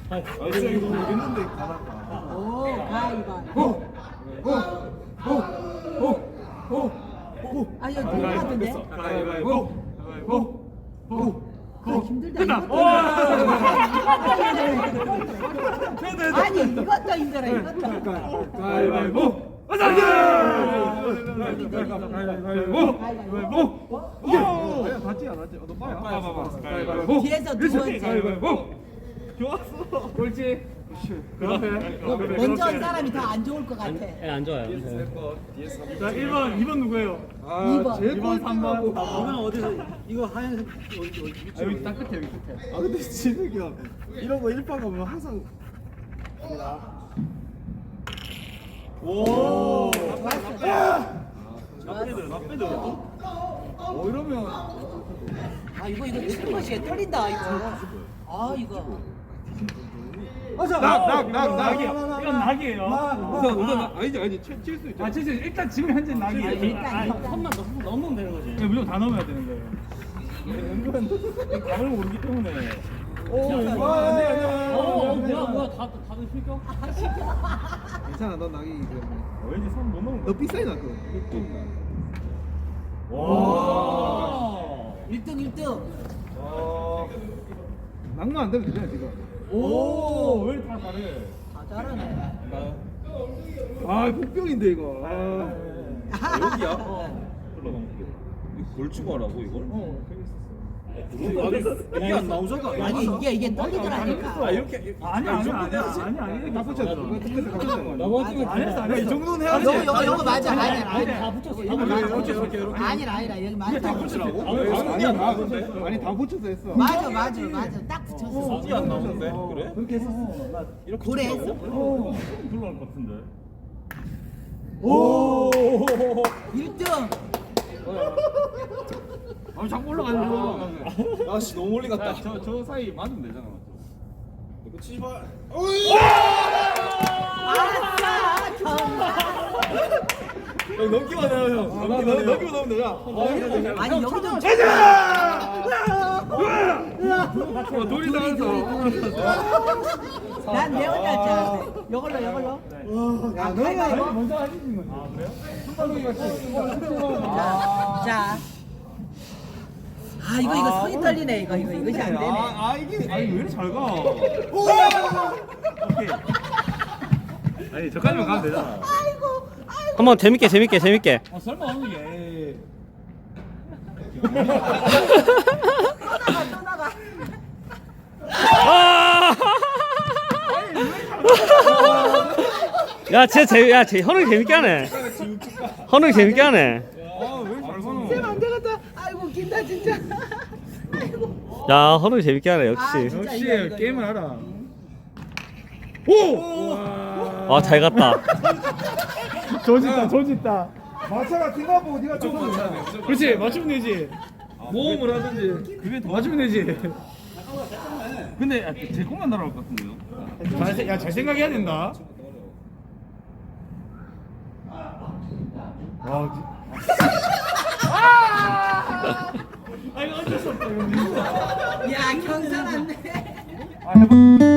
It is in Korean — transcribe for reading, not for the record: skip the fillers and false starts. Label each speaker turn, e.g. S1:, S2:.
S1: 진짜 이거 모르겠는데 가다가.
S2: 오, 가위바위보. 아, 이거 누구 같은데?
S1: 가위바위보.
S2: 힘들다. 아니, 이것도 힘들어, 이것도.
S1: 가위바위보. 맞지 안 맞지? 너 봐봐. 가위바위보.
S2: 뒤에서 두 번째.
S1: 가위바위보. 좋았어. 옳지.
S2: 먼저 한 사람이 더 안 좋을 것 같아.
S3: 예, 안 좋아요.
S1: 자, 2번 누구예요?
S2: 이 번.
S1: 2번, 3번.
S3: 이건 어디서 이거 하얀색 어디
S1: 여기 딱 끝에, 여기 끝에. 아, 근데 진욱이 형 이런 거 1파 가면 항상 오! 나빼들. 이러면
S2: 아, 이거 치는 것이 떨린다, 이거. 아, 이거.
S1: 낙이야. 이건 낙이에요.
S3: 아니지 칠수 있죠.
S1: 칠수 있어. 일단 지금 현재 낙이에요.
S3: 선만 넘으면 되는 거지.
S1: 네, 무조건 다 넣어야 되는 거예요. 은근 감을 모르기 때문에.
S3: 뭐야 다들 실격?
S4: 괜찮아, 넌 낙이기 때문에.
S1: 왠지 손못 넣은
S4: 너 삐싸이 났거든.
S1: 와.
S2: 1등, 1등.
S4: 낙만 안 되면 되잖아, 지금.
S1: 오, 왜 다 잘해?
S2: 다 잘하네.
S4: 아, 복병인데, 이거.
S5: 여기야? 걸치고하라고 이걸? 이게 안 나오잖아.
S2: 아니, 이게 떨리더라니까.
S5: 이렇게
S1: 아니 다 붙였어. 안 했어. 이 정도는 해야지.
S2: 요거 맞아. 아니야.
S3: 다 붙였어.
S2: 아니라 여기 맞아.
S5: 다 붙이라고?
S4: 아니, 다 붙여서 했어.
S2: 맞아. 딱 붙였어.
S5: 이게 안 나오는데? 그래?
S1: 그렇게 했었어.
S5: 이렇게
S2: 고래
S5: 치라고?
S2: 했어.
S1: 불러올 것 같은데.
S5: 오!
S2: 1등.
S1: 자꾸 올라가는 거.
S5: 아씨 너무 멀리 갔다.
S1: 저 사이 맞으면 되잖아.
S5: 이거 치지 마.
S2: 아싸, 정말.
S5: 형 넘기만 해요 형. 넘기만 넣으면 되잖아.
S2: 아니, 여기도
S1: 돌이 나가서.
S2: 난내 혼자 자. 요걸로.
S4: 야, 너가
S1: 먼저 하시는 거지. 아, 그래요?
S2: 자. 아, 이거 손이 떨리네. 이것이 안 되네.
S1: 이게 왜 이렇게 잘 가? 오케이. 아니, 저까지만 가면 되잖아.
S3: 한번 재밌게.
S1: 설마 오는 게.
S2: 또 나가.
S3: 쟤 현웅 재밌게 하네. 현웅 재밌게 하네.
S1: 왜잘 가노?
S2: 쌤 안 되겠다. 아이고, 웃긴다, 진짜. 아이고.
S3: 야, 현웅 재밌게 하네
S2: 아,
S3: 역시.
S2: 진짜.
S1: 역시
S2: 이거.
S1: 게임을 알아.
S3: 아, 잘 갔다.
S1: 조짓다.
S4: 마차가 튕가 보고 네가 좀
S1: 그렇지, 맞추면 되지. 모험을 하든지. 그게 더 맞추면 되지. 근데 제 것만 날아올 것 같은데요? 잘 생각해야 된다.
S2: 야, 경찰 안 돼.